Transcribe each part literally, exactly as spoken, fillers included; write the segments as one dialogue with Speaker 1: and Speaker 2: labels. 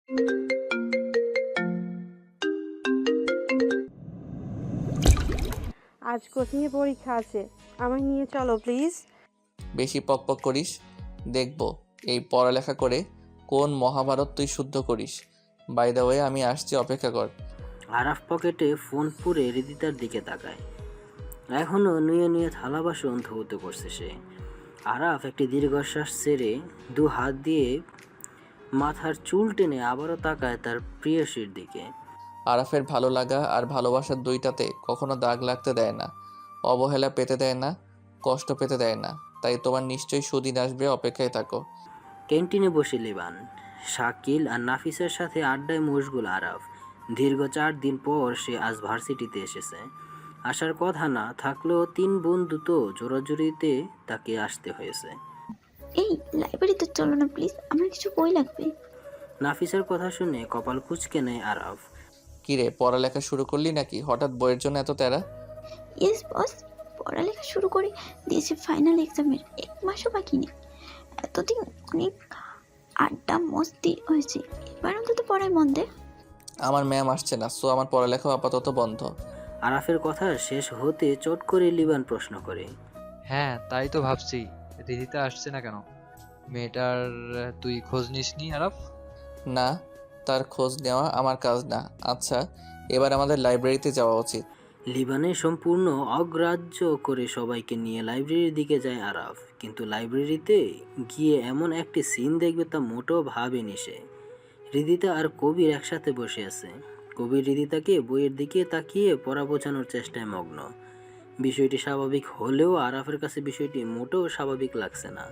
Speaker 1: আজ কোচিংয়ে পরীক্ষা আছে, আমায় নিয়ে চলো প্লিজ।
Speaker 2: বেশি পকপক করিস, দেখব এই পড়ালেখা করে কোন মহাভারত তুই শুদ্ধ করিস। বাই দ্য ওয়ে আমি আসছি, অপেক্ষা কর।
Speaker 3: আরাফ পকেটে ফোন পুরে হৃদিতার দিকে তাকায়। এখনও নুয়ে নুয়ে থালা বাসন ধৌত করছে সে। আরাফ একটি দীর্ঘশ্বাস ছেড়ে দু হাত দিয়ে মাথার চুল টেনে আবারও তাকায় তার প্রিয়সীর দিকে।
Speaker 2: আরাফের ভালো লাগা আর ভালোবাসার দুইটাতে কখনো দাগ লাগতে দেয় না, অবহেলা পেতে দেয় না, কষ্ট পেতে দেয় না। তাই তোমার নিশ্চয়ই সুদিন আসবে, অপেক্ষায় থাকো।
Speaker 3: ক্যান্টিনে বসে লিবান, শাকিল আর নাফিসের সাথে আড্ডায় মশগুল আরাফ। দীর্ঘ চার দিন পর সে আজ ভার্সিটিতে এসেছে। আসার কথা না থাকলেও তিন বন্ধু তো জোরাজুরিতে তাকে আসতে হয়েছে।
Speaker 4: এই লাইব্রেরিতে চলো না প্লিজ, আমার কিছু বই লাগবে।
Speaker 3: নাফিসের কথা শুনে কপাল কুঁচকে নেয় আরাফ।
Speaker 2: কিরে, পড়ালেখা শুরু করলি নাকি? হঠাৎ বইয়ের জন্য এত তেরা?
Speaker 4: ইয়েস বস, পড়ালেখা শুরু করে দিয়েছি, ফাইনাল এক্সামের এক মাসও বাকি নেই। এতদিন অনেক আড্ডা মস্তি হয়েছে, এবার অন্তত পড়ায় মন দে।
Speaker 2: আমার ম্যাম আসছে না, সো আমার পড়ালেখাও আপাতত বন্ধ।
Speaker 3: আরাফের কথা শেষ হতে চট করে লিবান প্রশ্ন করে।
Speaker 5: হ্যাঁ তাই তো ভাবছি, রিদিতা আসছে না কেন? মেয়েটার তুই খোঁজ নিসনি আরাফ?
Speaker 2: না, তার খোঁজ নেওয়া আমার কাজ না। আচ্ছা, এবার আমাদের লাইব্রেরিতে যাওয়া উচিত।
Speaker 3: লিবানে সম্পূর্ণ অগ্রাহ্য করে সবাইকে নিয়ে লাইব্রেরির দিকে যায় আরাফ। কিন্তু লাইব্রেরিতে গিয়ে এমন একটি সিন দেখবে তা মোটেও ভাবেনি সে। হৃদিতা আর কবির একসাথে বসে আছে। কবির হৃদিতাকে বইয়ের দিকে তাকিয়ে পড়া বোঝানোর চেষ্টায় মগ্ন। বিষয়টি স্বাভাবিক হলেও আরাফের কাছে বিষয়টি মোটেও স্বাভাবিক লাগছে না।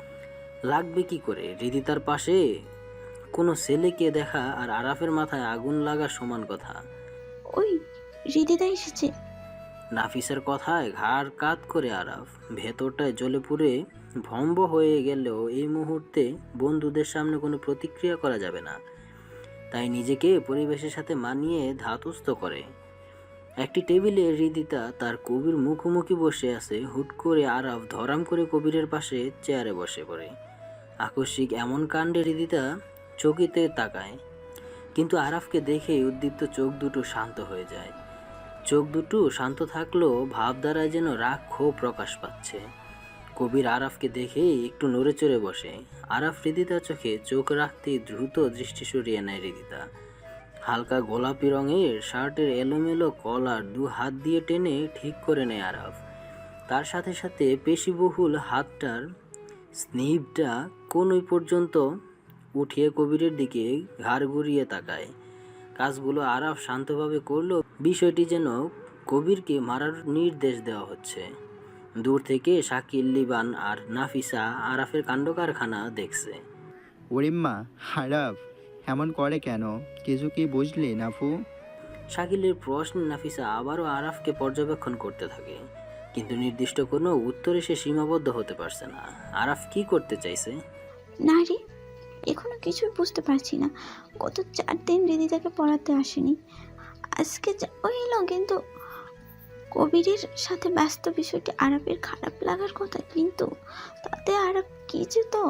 Speaker 3: লাগবে কি করে? হৃদিতার পাশে কোনো ছেলেকে দেখা আর আরাফের মাথায় আগুন লাগা সমান কথা।
Speaker 4: ওই হৃদিতা এসেছে।
Speaker 3: নাফিসের কথায় ঘাড় কাত করে আরাফ। ভেতরটায় জ্বলে পুড়ে ভম্ব হয়ে গেলেও এই মুহূর্তে বন্ধুদের সামনে কোনো প্রতিক্রিয়া করা যাবে না। তাই নিজেকে পরিবেশের সাথে মানিয়ে ধাতস্থ করে। একটি টেবিলে হৃদিতা তার কবির মুখোমুখি বসে আছে। হুট করে আরাফ ধরাম করে কবিরের পাশে চেয়ারে বসে পড়ে। আকস্মিক এমন কাণ্ডে হৃদিতা চকিতে তাকায়, কিন্তু আরাফকে দেখে উদ্দীপ্ত চোখ দুটো শান্ত হয়ে যায়। চোখ দুটো শান্ত থাকলেও ভাব দ্বারা যেন রাগ ক্ষোভ প্রকাশ পাচ্ছে। কবির আরাফকে দেখে একটু নড়ে চড়ে বসে। আরাফ হৃদিতার চোখে চোখ রাখতেই দ্রুত দৃষ্টি সরিয়ে নেয় হৃদিতা। হালকা গোলাপি রঙের শার্টের এলোমেলো কলার দু হাত দিয়ে টেনে ঠিক করে নেয় আরাফ। তার সাথে সাথে পেশিবহুল হাতটার স্নিপটা কোনই পর্যন্ত উঠিয়ে কবিরের দিকে ঘাড় ঘুরিয়ে তাকায়। কাজগুলো আরাফ শান্তভাবে করলেও বিষয়টি যেন কবিরকে মারার নির্দেশ দেওয়া হচ্ছে। দূর থেকে শাকিল, লিবান আর নাফিসা আরাফের কাণ্ডকারখানা দেখছে।
Speaker 6: ওরিম্মা, আরাফ এমন করে কেন? কিছু কি বুঝলি নাফু?
Speaker 3: শাকিলের প্রশ্নে নাফিসা আবারও আরাফকে পর্যবেক্ষণ করতে থাকে, কিন্তু নির্দিষ্ট কোনো উত্তরে সে সীমাবদ্ধ হতে পারছে না। আরাফ কি করতে চাইছে?
Speaker 4: না রে, এখনো কিছুই বুঝতে পারছি না। গত চার দিন হৃদিতাকে পড়াতে আসেনি, আজকে যাওয়া এলো, কিন্তু কবিরের সাথে ব্যস্ত। বিষয়টি আরাফের খারাপ লাগার কথা, কিন্তু তাতে আরাফ কিছু তো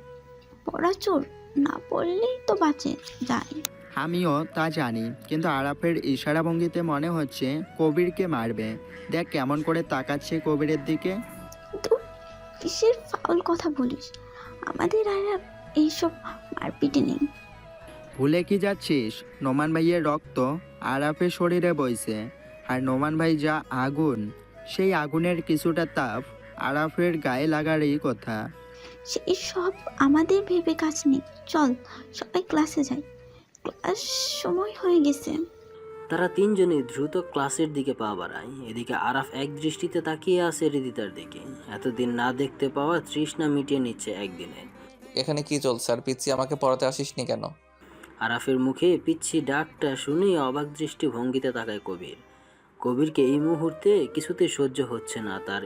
Speaker 4: পড়াচোর না পড়লেই তো বাঁচে যায়।
Speaker 6: আমিও তা জানি, কিন্তু আরাফের ইশারা ভঙ্গিতে মনে হচ্ছে কবিরকে মারবে। দেখ কেমন করে তাকাচ্ছে কবিরের দিকে।
Speaker 4: কিন্তু কিসের ফাউল কথা বলিস? আমাদের আরাফ এইসব মারপিটে নেই।
Speaker 6: ভুলে কি যাচ্ছিস? নোমান ভাইয়ের রক্ত আরাফের শরীরে বইছে, আর নোমান ভাই যা আগুন, সেই আগুনের কিছুটা তাপ আরাফের গায়ে লাগারই কথা।
Speaker 4: সেই সব আমাদের ভেবে কাজ নেই, চল সবাই ক্লাসে যাই, ক্লাস সময় হয়ে গেছে।
Speaker 3: তারা তিনজনই দ্রুত ক্লাসের দিকে পা বাড়ায়। এদিকে আরাফ এক দৃষ্টিতে তাকিয়ে আছে হৃদিতার দিকে। এতদিন না দেখতে পাওয়া তৃষ্ণা মিটিয়ে নিচ্ছে একদিনে।
Speaker 2: এখানে কি চলছে? আর পিচ্ছি, আমাকে পড়াতে আসিসনি কেন?
Speaker 3: আরাফের মুখে পিচ্ছি ডাকটা শুনেই অবাক দৃষ্টি ভঙ্গিতে তাকায় কবির। কবিরকে এই মুহূর্তে কিছুতেই সহ্য হচ্ছে না তার,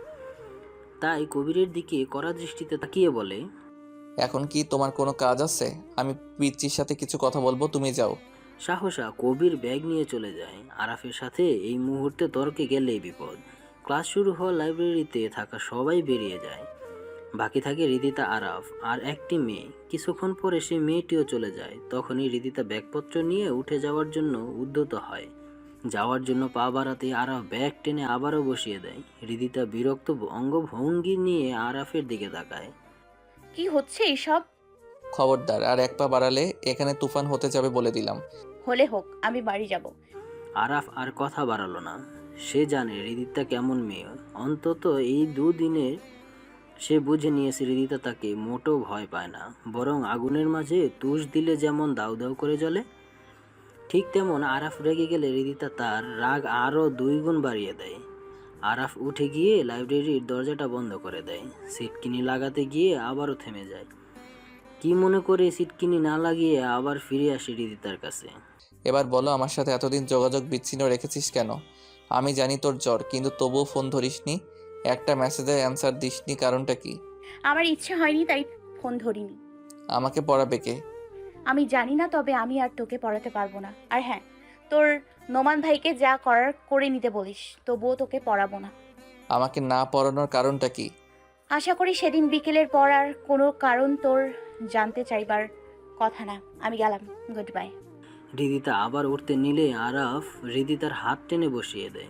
Speaker 3: তাই কবিরের দিকে কড়া দৃষ্টিতে তাকিয়ে বলে,
Speaker 2: এখন কি তোমার কোনো কাজ আছে? আমি পিচ্চির সাথে কিছু কথা বলবো, তুমি যাও।
Speaker 3: সাহসা কবির ব্যাগ নিয়ে চলে যায়। আরাফের সাথে এই মুহূর্তে তর্কে গেলেই বিপদ। ক্লাস শুরু হওয়া লাইব্রেরিতে থাকা সবাই বেরিয়ে যায়। বাকি থাকে হৃদিতা, আরাফ আর একটি মেয়ে। কিছুক্ষণ পরে সে মেয়েটিও চলে যায়। তখনই হৃদিতা ব্যাগপত্র নিয়ে উঠে যাওয়ার জন্য উদ্যত হয়। যাওয়ার জন্য পা বাড়াতে আরাফ ব্যাগ টেনে আবারও বসিয়ে দেয়। হৃদিতা বিরক্ত অঙ্গভঙ্গি নিয়ে আরাফের দিকে তাকায়।
Speaker 7: কি হচ্ছে এইসব?
Speaker 2: খবরদার, আর এক পা বাড়ালে এখানে তুফান হতে যাবে বলে দিলাম।
Speaker 7: হলে হোক, আমি বাড়ি যাব।
Speaker 3: আরাফ আর কথা বাড়ালো না। সে জানে হৃদিতা কেমন মেয়ে। অন্তত এই দুদিনে সে বুঝে নিয়েছে হৃদিতা তাকে মোটেও ভয় পায় না, বরং আগুনের মাঝে তুষ দিলে যেমন দাউ দাউ করে জ্বলে, ঠিক তেমন আরাফ রেগে গেলে হৃদিতা তার রাগ আরও দুই গুণ বাড়িয়ে দেয়। আরাফ উঠে গিয়ে লাইব্রেরির দরজাটা বন্ধ করে দেয়। সিটকিনি লাগাতে গিয়ে আবারও থেমে যায়। কি মনে করে সিটকিনি না লাগিয়ে আবার ফিরে আসে হৃদিতার কাছে।
Speaker 2: এবার বলো, আমার সাথে এতদিন যোগাযোগ বিচ্ছিন্ন রেখেছিস কেন? আমি জানি তোর জ্বর, কিন্তু তবুও ফোন ধরিসনি, একটা মেসেজের অ্যান্সার দিসনি, কারণটা কি?
Speaker 7: আমার ইচ্ছে হয়নি, তাই ফোন ধরিনি।
Speaker 2: আমাকে পড়াবে কে?
Speaker 7: আমি জানি না, তবে আমি আর তোকে পড়াতে পারবো না। আর হ্যাঁ, তোর নোমান ভাইকে যা করার করে নিতে বলিস, তবুও তোকে পড়াবো না।
Speaker 2: আমাকে না পড়ানোর কারণটা কি?
Speaker 7: আশা করি সেদিন বিকেলের পর আর কোনো কারণ তোর জানতে চাইবার কথা না। আমি গেলাম, গুড বাই।
Speaker 3: হৃদিতা আবার উঠতে নিলে আরাফ হৃদিতার হাত টেনে বসিয়ে দেয়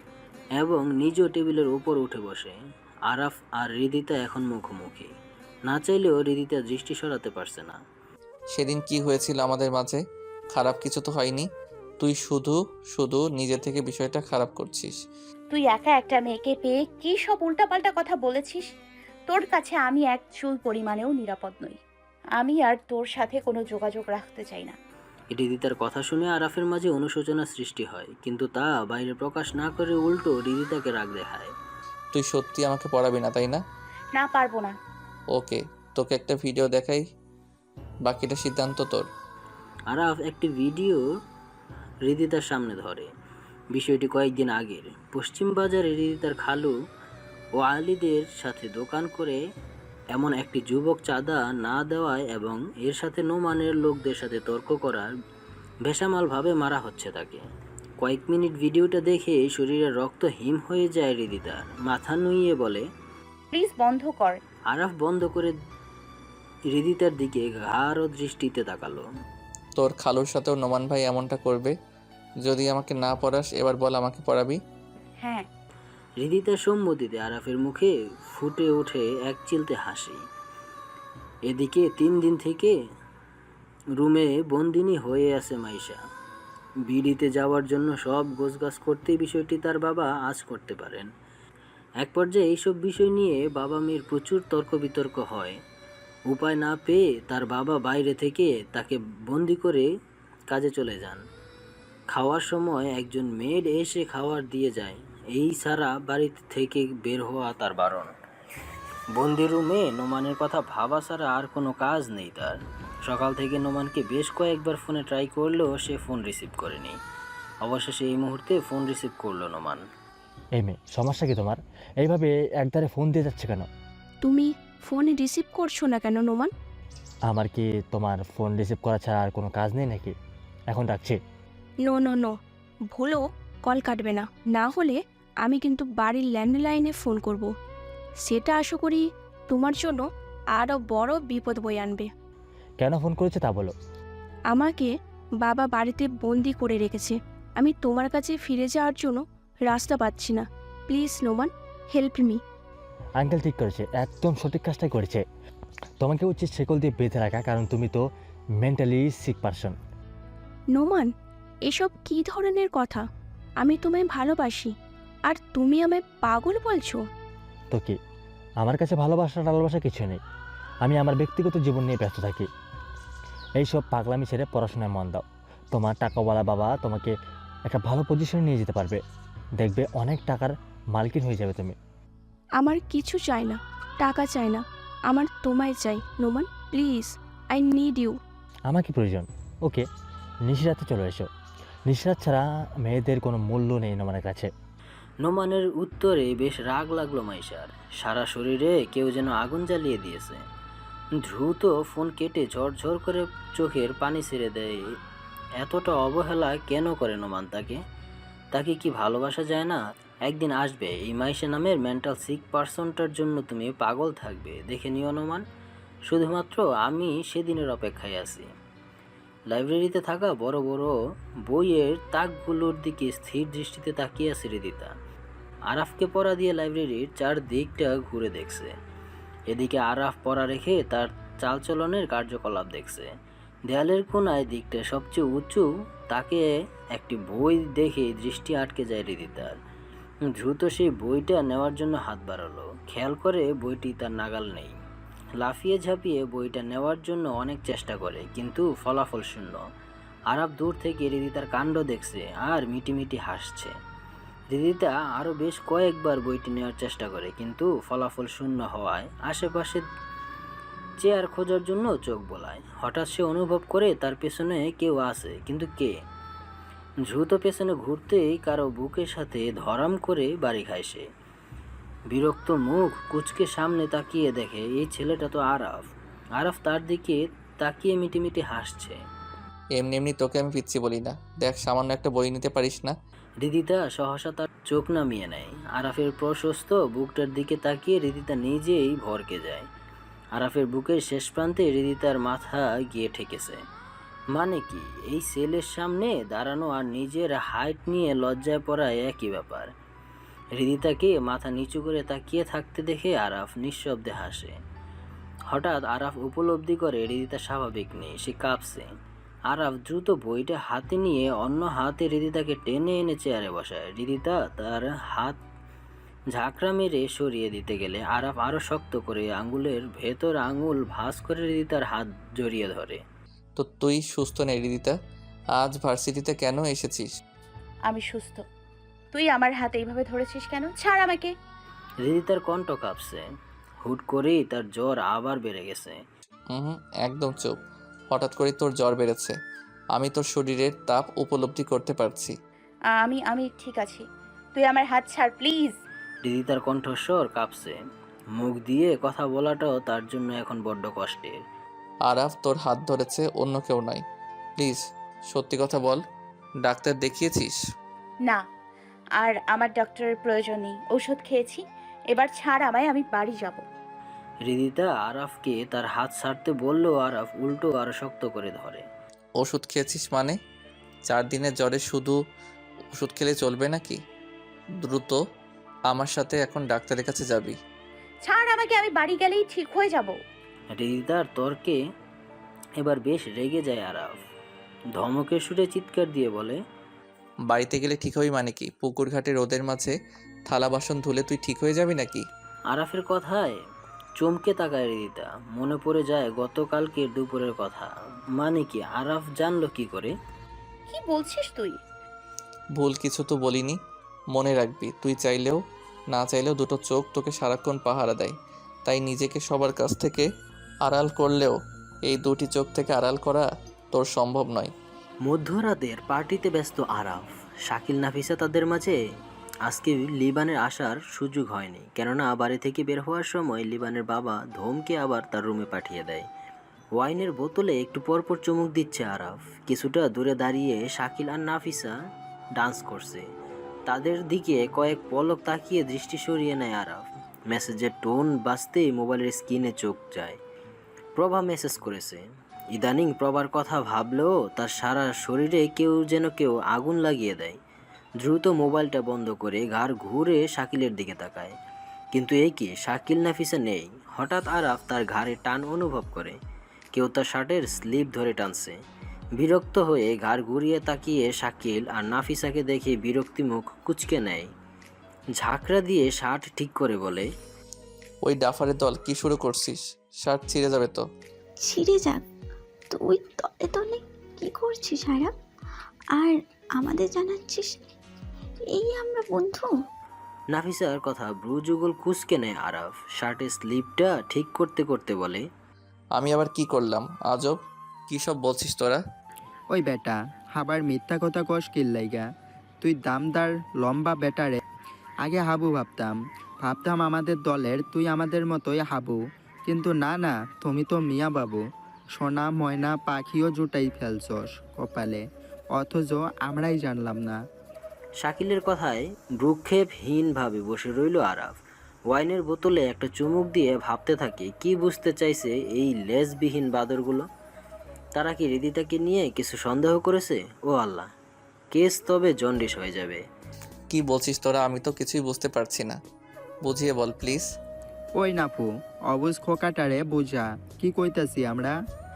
Speaker 3: এবং নিজেও টেবিলের উপর উঠে বসে। আরাফ আর হৃদিতা এখন মুখোমুখি। না চাইলেও হৃদিতা দৃষ্টি সরাতে পারছে না।
Speaker 2: সেদিন কি হয়েছিল আমাদের মাঝে? খারাপ কিছু তো হয়নি। তুই শুধু শুধু নিজে থেকে বিষয়টা খারাপ করছিস।
Speaker 7: তুই একা একটা মেয়েকে পেয়ে কি সব উল্টাপাল্টা কথা বলেছিস। তোর কাছে আমি এক চুল পরিমাণেও নিরাপদ নই। আমি আর তোর সাথে কোনো যোগাযোগ রাখতে চাই না।
Speaker 3: হৃদিতার কথা শুনে আরাফের মাঝে অনুশোচনা সৃষ্টি হয়, কিন্তু তা বাইরে প্রকাশ না করে উল্টো হৃদিতাকে রাগ দেখায়।
Speaker 2: তুই সত্যি আমাকে পড়াবি না, তাই না?
Speaker 7: না, পারবো না।
Speaker 2: ওকে, তোকে একটা ভিডিও দেখাই, বাকিটা সিদ্ধান্ত তোর।
Speaker 3: আরাফ একটি ভিডিও হৃদিতার সামনে ধরে। বিষয়টি কয়েকদিন আগের। পশ্চিম বাজারে হৃদিতার খালু ও আলীদের সাথে দোকান করে এমন একটি যুবক চাঁদা না দেওয়ায় এবং এর সাথে নোমানের লোকদের সাথে তর্ক করার বেসামালভাবে মারা হচ্ছে তাকে। কয়েক মিনিট ভিডিওটা দেখে শরীরের রক্ত হিম হয়ে যায় হৃদিতার। মাথা নুইয়ে বলে,
Speaker 7: প্লিজ বন্ধ কর।
Speaker 3: আরাফ বন্ধ করে হৃদিতার দিকে গাঢ় দৃষ্টিতে তাকালো।
Speaker 2: তোর খালুর সাথেও নোমান ভাই এমনটা করবে যদি আমাকে না পড়াস? এবার বল, আমাকে পড়াবি?
Speaker 7: হ্যাঁ।
Speaker 3: হৃদিতার সম্মতিতে আরাফের মুখে ফুটে ওঠে এক চিলতে হাসি। এদিকে তিন দিন থেকে রুমে বন্দিনী হয়ে আছে মাইশা। বিড়িতে যাওয়ার জন্য সব গোছগাছ করতেই বিষয়টি তার বাবা আজ করতে পারেন। এক পর্যায়ে এইসব বিষয় নিয়ে বাবা মেয়ের প্রচুর তর্ক বিতর্ক হয়। উপায় না পেয়ে তার বাবা বাইরে থেকে তাকে বন্দি করে কাজে চলে যান। খাওয়ার সময় একজন মেড এসে খাবার দিয়ে যায়। এই ছাড়া বাড়ি থেকে বের হওয়া তার বারণ। বন্দি রুমে নোমানের কথা ভাবা ছাড়া আর কোনো কাজ নেই তার। সকাল থেকে নোমানকে বেশ কয়েকবার ফোনে ট্রাই করলেও সে ফোন রিসিভ করেনি। অবশেষে এই মুহূর্তে ফোন রিসিভ করলো নোমান।
Speaker 8: এই মেয়ে, সমস্যা কি তোমার? এইভাবে একধারে ফোন দিয়ে যাচ্ছে কেন?
Speaker 9: তুমি ফোন রিসিভ করছো না কেন নোমান?
Speaker 8: আমার কি তোমার ফোন রিসিভ করা ছাড়া আর কোনো কাজ নেই নাকি? এখন রাখছি।
Speaker 9: নো নো নো, ভুলও কল কাটবে না, না হলে আমি কিন্তু বাড়ির ল্যান্ডলাইনে ফোন করব। সেটা আশা করি তোমার জন্য আরও বড় বিপদ বয়ে আনবে।
Speaker 8: কেন ফোন করেছে তা বলো।
Speaker 9: আমাকে বাবা বাড়িতে বন্দি করে রেখেছে। আমি তোমার কাছে ফিরে যাওয়ার জন্য রাস্তা পাচ্ছি না। Please Noman, help me.
Speaker 8: Uncle ঠিক করেছে, একদম সঠিক কাজটাই করেছে। তোমাকে উচিত শেকল দিয়ে বেঁধে রাখা, কারণ তুমি তো মেন্টালি সিক পারসন।
Speaker 9: নোমান, এসব কী ধরনের কথা? আমি তোমায় ভালোবাসি, আর তুমি আমায় পাগল বলছো?
Speaker 8: তো কি, আমার কাছে ভালোবাসা টালবাসা কিছু নেই। আমি আমার ব্যক্তিগত জীবন নিয়ে ব্যস্ত থাকি। এইসব পাগলামি ছেড়ে পড়াশোনায় মন দাও। তোমার টাকাওয়ালা বাবা তোমাকে একটা ভালো পজিশনে নিয়ে যেতে পারবে। দেখবে অনেক টাকার মালকিন হয়ে যাবে তুমি।
Speaker 9: আমার কিছু চাই না, টাকা চাই না, আমার তোমায় চাই Noman. Please, I need you.
Speaker 8: আমার কি প্রয়োজন? ওকে, নিশিরাতে চলে এসো। নিশিরাত ছাড়া মেয়েদের কোনো মূল্য নেই নোমানের কাছে।
Speaker 3: নোমানের উত্তরে বেশ রাগ লাগলো মাইশার। সারা শরীরে কেউ যেন আগুন জ্বালিয়ে দিয়েছে। দ্রুত ফোন কেটে ঝরঝর করে চোখের পানি ছেড়ে দেয়। এতটা অবহেলা কেন করে নোমান তাকে? তাকে কি ভালোবাসা যায় না? একদিন আসবে এই মাইশা নামের মেন্টাল সিক পার্সনটার জন্য তুমি পাগল থাকবে, দেখে নিও নোমান। শুধুমাত্র আমি সেদিনের অপেক্ষায় আছি। লাইব্রেরিতে থাকা বড় বড় বইয়ের তাকগুলোর দিকে স্থির দৃষ্টিতে তাকিয়ে আছে হৃদিতা। আরাফকে পড়া দিয়ে লাইব্রেরির চারদিকটা ঘুরে দেখছে। এদিকে আরাফ পড়া রেখে তার চালচলনের কার্যকলাপ দেখছে। দেয়ালের কোনায় দিকটা সবচেয়ে উঁচু, তাকে একটি বই দেখে দৃষ্টি আটকে যায় হৃদিতার। দ্রুত সেই বইটা নেওয়ার জন্য হাত বাড়ালো, খেয়াল করে বইটি তার নাগাল নেই। লাফিয়ে ঝাঁপিয়ে বইটা নেওয়ার জন্য অনেক চেষ্টা করে, কিন্তু ফলাফল শূন্য। আরাফ দূর থেকে হৃদিতার কাণ্ড দেখছে আর মিটিমিটি হাসছে। হৃদিতা আরও বেশ কয়েকবার বইটি নেওয়ার চেষ্টা করে, কিন্তু ফলাফল শূন্য হওয়ায় আশেপাশে চেয়ার খোঁজার জন্য চোখ বোলায়। হঠাৎ সে অনুভব করে তার পেছনে কেউ আছে, কিন্তু কে? দ্রুত পেছনে ঘুরতেই কারো বুকের সাথে ধরাম করে বাড়ি খায় সে। বিরক্ত মুখ কুচকে সামনে তাকিয়ে দেখে এই ছেলেটা তো আরাফ। আরাফ তার দিকে তাকিয়ে মিটিমিটি হাসছে।
Speaker 2: এমনি এমনি তোকে আমি পিচ্ছি বলি না, দেখ সামান্য একটা বই নিতে পারিস না।
Speaker 3: হৃদিতা সহসা তার চোখ নামিয়ে নেয়। আরাফের প্রশস্ত বুকটার দিকে তাকিয়ে হৃদিতা নিজেই ভরকে যায়। আরাফের বুকের শেষ প্রান্তে হৃদিতার মাথা গিয়ে ঠেকেছে। মানে কি, এই সেলের সামনে দাঁড়ানো আর নিজের হাইট নিয়ে লজ্জায় পড়া একই ব্যাপার। হৃদিতাকে মাথা নিচু করে তাকিয়ে থাকতে দেখে আরাফ নিঃশব্দে হাসে। হঠাৎ আরাফ উপলব্ধি করে হৃদিতা স্বাভাবিক নেই, সে কাঁপছে। আরাফ দ্রুত বইটা হাতে নিয়ে অন্য হাতে হৃদিতাকে টেনে এনে চেয়ারে বসায়। হৃদিতা তার হাত ঝাঁকড়া মেরে সরিয়ে দিতে গেলে আরাফ আরও শক্ত করে আঙ্গুলের ভেতর আঙুল ভাঁজ করে হৃদিতার হাত জড়িয়ে ধরে।
Speaker 2: তো তুই সুস্থ নেই হৃদিতা, আজ ভার্সিটিতে কেন এসেছিস?
Speaker 7: আমি সুস্থ। তুই আমার হাতে এইভাবে ধরেছিস কেন? ছাড় আমাকে।
Speaker 3: হৃদিতার কণ্ঠ কাঁপছে। হুট করেই তার জ্বর আবার বেড়ে গেছে।
Speaker 2: হুম হুম একদম চুপ। হঠাৎ করে তোর জ্বর বেড়েছে, আমি তোর শরীরের তাপ উপলব্ধি করতে পারছি।
Speaker 7: আমি আমি ঠিক আছি। তুই আমার হাত ছাড় প্লিজ।
Speaker 3: হৃদিতার কণ্ঠস্বর কাঁপছে। মুখ দিয়ে কথা বলাটাও তার জন্য এখন বড্ড কষ্টের।
Speaker 2: আরাফ তোর হাত ধরেছে, অন্য কেউ নয়। প্লিজ সত্যি কথা বল, ডাক্তার দেখিয়েছিস?
Speaker 7: না, আর আমার ডক্টরের প্রয়োজন নেই। ওষুধ খেয়েছি, এবার ছাড় আমায়, আমি বাড়ি যাব।
Speaker 3: হৃদিতা আরাফকে তার হাত ছাড়তে বললেও আরাফ উল্টো আরো শক্ত করে ধরে।
Speaker 2: ওষুধ খেয়েছিস মানে? চার দিনের জ্বরে শুধু ওষুধ খেলে চলবে নাকি? দ্রুত আমার সাথে এখন ডাক্তারের কাছে যাবি।
Speaker 7: ছাড় আমাকে, আমি বাড়ি গেলেই ঠিক হয়ে যাব।
Speaker 3: হৃদিতার তর্কে এবার বেশ রেগে যায় আরাফ। ধমকের সুরে চিৎকার দিয়ে বলে,
Speaker 2: বাড়িতে গেলে ঠিক হবি মানে কি? পুকুর ঘাটে রোদের মাঝে থালা বাসন ধুলে তুই ঠিক হয়ে যাবি নাকি?
Speaker 3: আরাফের কথায় চমকে তাকায় হৃদিতা। মনে পড়ে যায় গতকালকের দুপুরের কথা। মানে কি, আরাফ জানলো কি করে?
Speaker 7: কি বলছিস তুই?
Speaker 2: ভুল কিছু তো বলিনি, মনে রাখবি তুই চাইলেও না চাইলেও দুটো চোখ তোকে সারাক্ষণ পাহারা দেয়। তাই নিজেকে সবার কাছ থেকে আড়াল করলেও এই দুটি চোখ থেকে আড়াল করা তোর সম্ভব নয়।
Speaker 3: মধ্যরাতের পার্টিতে ব্যস্ত আরাফ, শাকিল নাফিসা তাদের মাঝে আজকে লিবানের আসার সুযোগ হয়নি, কেননা বাড়ি থেকে বের হওয়ার সময় লিবানের বাবা ধমকে আবার তার রুমে পাঠিয়ে দেয়। ওয়াইনের বোতলে একটু পরপর চুমুক দিচ্ছে আরাফ। কিছুটা দূরে দাঁড়িয়ে শাকিল আর নাফিসা ডান্স করছে, তাদের দিকে কয়েক পলক তাকিয়ে দৃষ্টি সরিয়ে নেয় আরাফ। মেসেজের টোন বাজতেই মোবাইলের স্ক্রিনে চোখ যায়। প্রভা মেসেজ করেছে। ইদানিং প্রভার কথা ভাবলেও তার সারা শরীরে কেউ যেন কেউ আগুন লাগিয়ে দেয়। দ্রুত মোবাইলটা বন্ধ করে ঘাড় ঘুরে শাকিলের দিকে তাকায়, কিন্তু এই কি, শাকিল নাফিসা নেই। হঠাৎ আরাফ তার ঘাড়ে টান অনুভব করে, কেউ তার শার্টের স্লিপ ধরে টানছে। বিরক্ত হয়ে ঘাড় ঘুরিয়ে তাকিয়ে শাকিল আর নাফিসাকে দেখে বিরক্তি মুখ কুঁচকে নেয়। ঝাঁকড়া দিয়ে শার্ট ঠিক করে বলে,
Speaker 2: ওই ডাফারের দল কি শুরু করছিস? শার্ট ছিঁড়ে যাবে তো।
Speaker 4: ছিঁড়ে যাক, তুই তলে তলে কি করছিস আরাফ? আর আমাদের জানাচ্ছিস এই আমরা বন্ধু?
Speaker 3: নাফিসার কথা ব্রু যুগল কুঁচকে নেয় আরাফ। শার্টের স্লিপটা ঠিক করতে করতে বলে,
Speaker 2: আমি আবার কি করলাম? আজব কি সব বলছিস তোরা?
Speaker 6: ওই বেটা আবার মিথ্যা কথা কস কিল্লাইগা? তুই দামদার লম্বা বেটারে আগে হাবু ভাবতাম ভাবতাম আমাদের দলের তুই আমাদের মতোই হাবু, কিন্তু না না, তুমি তো মিয়া বাবু। সোনা ময়না পাখিও জুটাই ফেলছস কপালে, অথচ আমরাই জানলাম না।
Speaker 3: শাকিলের কথায় ভ্রুক্ষেপহীনভাবে বসে রইল আরাফ। ওয়াইনের বোতলে একটা চুমুক দিয়ে ভাবতে থাকে কি বুঝতে চাইছে এই লেজবিহীন বাদরগুলো। তারা কি হৃদিতাকে নিয়ে কিছু সন্দেহ করেছে? ও আল্লাহ, কেস তবে জন্ডিস হয়ে যাবে।
Speaker 2: কি বলছিস তোরা? আমি তো কিছুই বুঝতে পারছি না, বুঝিয়ে বল প্লিজ।
Speaker 6: ওই নাপু, অবুজ খোকাটারে বুঝা কি কইতাছি আমরা।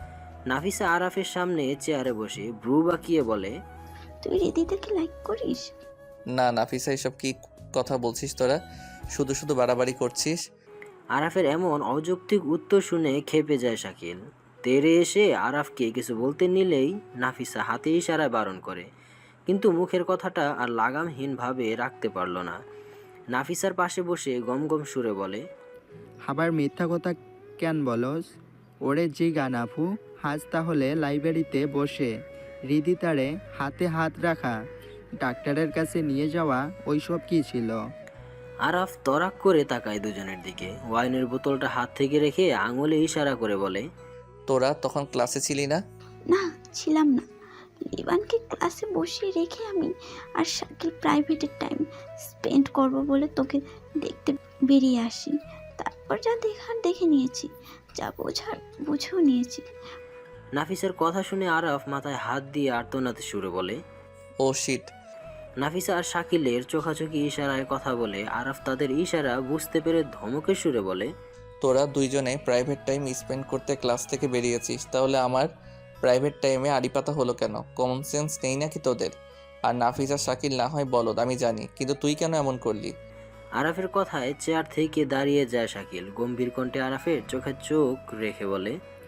Speaker 3: নাফিসা আরাফের সামনে চেয়ারে বসে ভ্রু বাঁকিয়ে বলে,
Speaker 4: তুই রিদিতাকে লাইক করিস?
Speaker 2: না নাফিসা, এসব কি কথা বলছিস তোরা? শুধু শুধু বাড়াবাড়ি করছিস।
Speaker 3: আরাফের এমন অযৌক্তিক উত্তর শুনে খেপে যায় শাকিল। তেরে এসে আরাফকে কিছু বলতে নিলেই নাফিসা হাতে ইশারায় বারণ করে, কিন্তু মুখের কথাটা আর লাগামহীনভাবে রাখতে পারল না। নাফিসার পাশে বসে গম গম সুরে বলে,
Speaker 6: আবার মিথ্যা কথা কেন বলস? ওরে জি গানাফু, আজ তাহলে লাইব্রেরিতে বসে হৃদিতারে হাতে হাত রাখা, ডাক্তারের কাছে নিয়ে যাওয়া, ওইসব কি ছিল?
Speaker 3: আরাফ তরাক করে তাকায় দুজনের দিকে। ওয়াইনের বোতলটা হাত থেকে রেখে আঙুলে ইশারা করে বলে,
Speaker 2: তোরা তখন ক্লাসে ছিলি না?
Speaker 4: না, ছিলাম না। লিবানকে ক্লাসে বসিয়ে রেখে আমি আর শাকিল প্রাইভেটের টাইম স্পেন্ড করব বলে তোকে দেখতে বেরিয়ে আসি। তারপর যা দেখার দেখে নিয়েছি, যা বোঝার বুঝেও নিয়েছি।
Speaker 3: নাফিসার কথা শুনে আরাফ মাথায় হাত দিয়ে আর্তনাতে সুরে বলে,
Speaker 2: ও শিট।
Speaker 3: নাফিসা আর শাকিলের চোখাচোখি ইশারায় কথা বলে আরাফ তাদের ইশারা বুঝতে পেরে ধমকের সুরে বলে,
Speaker 2: তোরা দুইজনে প্রাইভেট টাইম স্পেন্ড করতে ক্লাস থেকে বেরিয়েছিস, তাহলে আমার প্রাইভেট টাইমে আড়িপাতা হলো কেন? কমন সেন্স নেই নাকি তোদের? আর নাফিসা শাকিল না হয় বলদ, আমি জানি, কিন্তু তুই কেন এমন করলি?
Speaker 3: আরাফের কথায় চেয়ার থেকে দাঁড়িয়ে যায় শাকিল। গম্ভীর কণ্ঠে আরাফের চোখে চোখ রেখে বলে,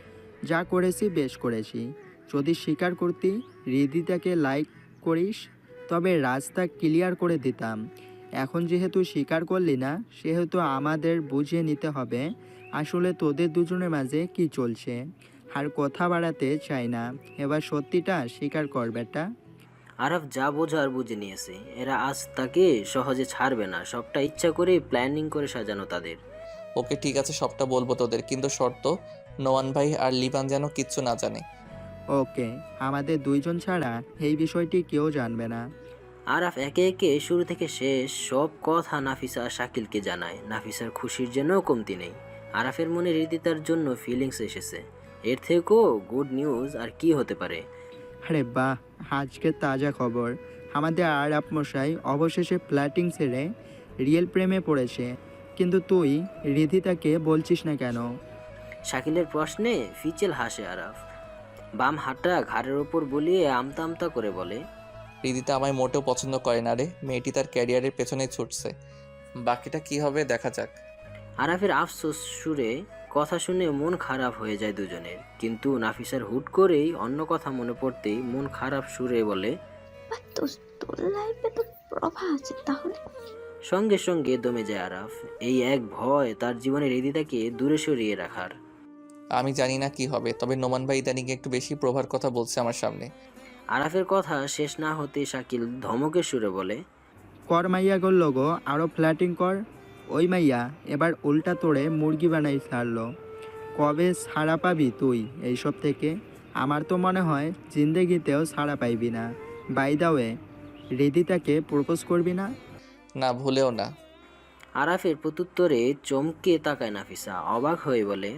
Speaker 6: যা করেছি বেশ করেছি। যদি স্বীকার করতি হৃদিতাকে লাইক করিস, তবে রাস্তা ক্লিয়ার করে দিতাম। এখন যেহেতু স্বীকার করলি না, সেহেতু আমাদের বুঝিয়ে নিতে হবে আসলে তোদের দুজনের মাঝে কি চলছে। আর কথা বাড়াতে চাই না, এবার সত্যিটা স্বীকার কর বেটা।
Speaker 3: আরাফ যা বোঝার বুঝে নিয়েছে। এরা আজ তাকে সহজে ছাড়বে না। সবটা ইচ্ছা করে প্ল্যানিং করে সাজানো তাদের।
Speaker 2: ওকে ঠিক আছে, সবটা বলবো তোদের, কিন্তু শর্ত, নোয়ান ভাই আর লিবান যেন কিচ্ছু না জানে।
Speaker 6: ওকে, আমাদের দুইজন ছাড়া এই বিষয়টি কেউ জানবে না।
Speaker 3: আরাফ একে একে শুরু থেকে শেষ সব কথা নাফিসা আর শাকিলকে জানায়। নাফিসার খুশির জন্য কমতি নেই। আরাফের মনে হৃদিতার জন্য ফিলিংস এসেছে। এর থেকেও গুড নিউজ আর কি হতে পারে?
Speaker 6: আরে বাহ, আজকে তাজা খবর। আমাদের আরাপ মশাই অবশেষে প্ল্যাটিং ছেড়ে রিয়েল প্রেমে পড়েছে। কিন্তু তুই হৃদিতাকে বলছিস না কেন?
Speaker 3: শাকিলের প্রশ্নে ফিচেল হাসে আরাফ। বাম হাতটা ঘাড়ের ওপর বলিয়ে আমতা আমতা করে বলে,
Speaker 2: রিদিতা আমায় মোটেও পছন্দ করে না রে, মেয়েটি তার ক্যারিয়ারের পেছনে ছুটছে, বাকিটা কি হবে দেখা যাক।
Speaker 3: আরাফের আফসোস সুরে কথা শুনে মন খারাপ হয়ে যায় দুজনের। কিন্তু নাফিসার হুট করেই অন্য কথা মনে পড়তেই মন খারাপ সুরে বলে,
Speaker 4: বা তোর তোর লাইফে তো প্রভা আছে তাহলে।
Speaker 3: সঙ্গে সঙ্গে দমে যায় আরাফ। এই এক ভয় তার জীবনের হৃদিতাকে দূরে সরিয়ে রাখার।
Speaker 2: আমি জানি না কি হবে, তবে নোমান ভাই ইদানিং একটু বেশি প্রভার কথা বলছে আমার সামনে।
Speaker 3: আরাফের কথা শেষ না হতে শাকিল ধমকের সুরে বলে,
Speaker 6: কর মাইয়া গোল গো, আরও ফ্ল্যাটিং কর। ওই মাইয়া এবার উল্টা তোড়ে মুরগি বানাই ছাড়লো। কবে ছাড়া পাবি তুই এইসব থেকে? আমার তো মনে হয় জিন্দেগিতেও ছাড়া পাইবি না। বাই দা ওয়ে, হৃদিতাকে প্রপোজ করবি না?
Speaker 2: না, ভুলেও না।
Speaker 3: আরাফের প্রত্যুত্তরে চমকে তাকায় নাফিসা, অবাক হয়ে বলে,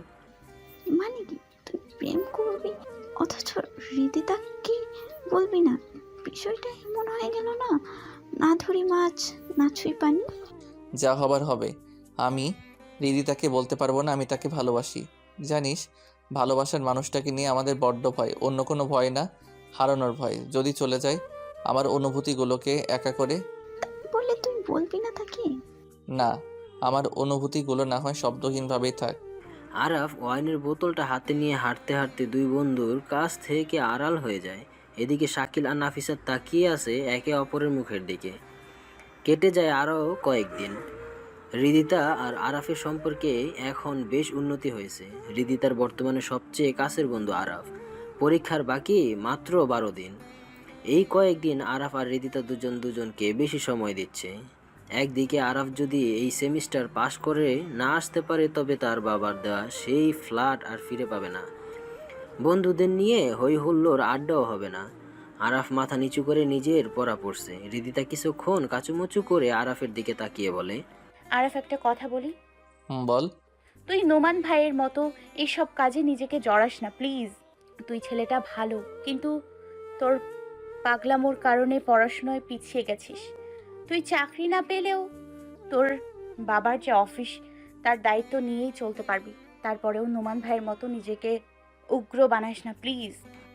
Speaker 4: মানে কি তুই প্রেম করবি অথচ হৃদিতা কি বলবি না? বিষয়টা এমন হয়ে গেল না, না ধরি মাছ না ছুঁই পানি।
Speaker 2: যা হবার হবে। আমি হৃদিতাকে বলতে পারবো না আমি তাকে ভালোবাসি। জানিস, ভালোবাসার মানুষটাকে নিয়ে আমাদের বড্ড ভয়, অন্য কোনো ভয় না, হারানোর ভয়। যদি চলে যায় আমার অনুভূতিগুলোকে একা করে।
Speaker 4: বলে তুই বলবি না তাকে?
Speaker 2: না, আমার অনুভূতিগুলো না হয় শব্দহীনভাবেই থাক।
Speaker 3: আরাফ ওয়াইনের বোতলটা হাতে নিয়ে হাঁটতে হাঁটতে দুই বন্ধুর কাছ থেকে আড়াল হয়ে যায়। এদিকে শাকিল আর নাফিসা তাকিয়ে আছে একে অপরের মুখের দিকে। কেটে যায় আরও কয়েকদিন। হৃদিতা আর আরাফের সম্পর্কে এখন বেশ উন্নতি হয়েছে। হৃদিতার বর্তমানে সবচেয়ে কাছের বন্ধু আরাফ। পরীক্ষার বাকি মাত্র বারো দিন। এই কয়েকদিন আরাফ আর হৃদিতা দুজন দুজনকে বেশি সময় দিচ্ছে। একদিকে আরাফ যদি এই সেমিস্টার পাশ করে না আসতে পারে, তবে তার বাবার দেওয়া সেই ফ্ল্যাট আর ফিরে পাবে না। বন্ধুদের নিয়ে হই হুল্লোড় আড্ডাও হবে না। আরাফ মাথা নিচু করে নিজের পড়া পড়ছে। হৃদিতা কিছুক্ষণ কাচুমুচু করে আরাফের দিকে তাকিয়ে বলে,
Speaker 7: আরাফ, একটা কথা বলি।
Speaker 2: হুম, বল।
Speaker 7: তুই নোমান ভাইয়ের মতো এইসব কাজে নিজেকে জড়াস না প্লিজ। তুই ছেলেটা ভালো, কিন্তু তোর পাগলামোর কারণে পড়াশোনায় পিছিয়ে গেছিস। তুই চাকরি না পেলেও তোর বাবার যে অফিস, তার দায়িত্ব নিয়েই চলতে পারবি। তারপরেও নোমান ভাইয়ের মতো নিজেকে উগ্র বানাস না প্লিজ।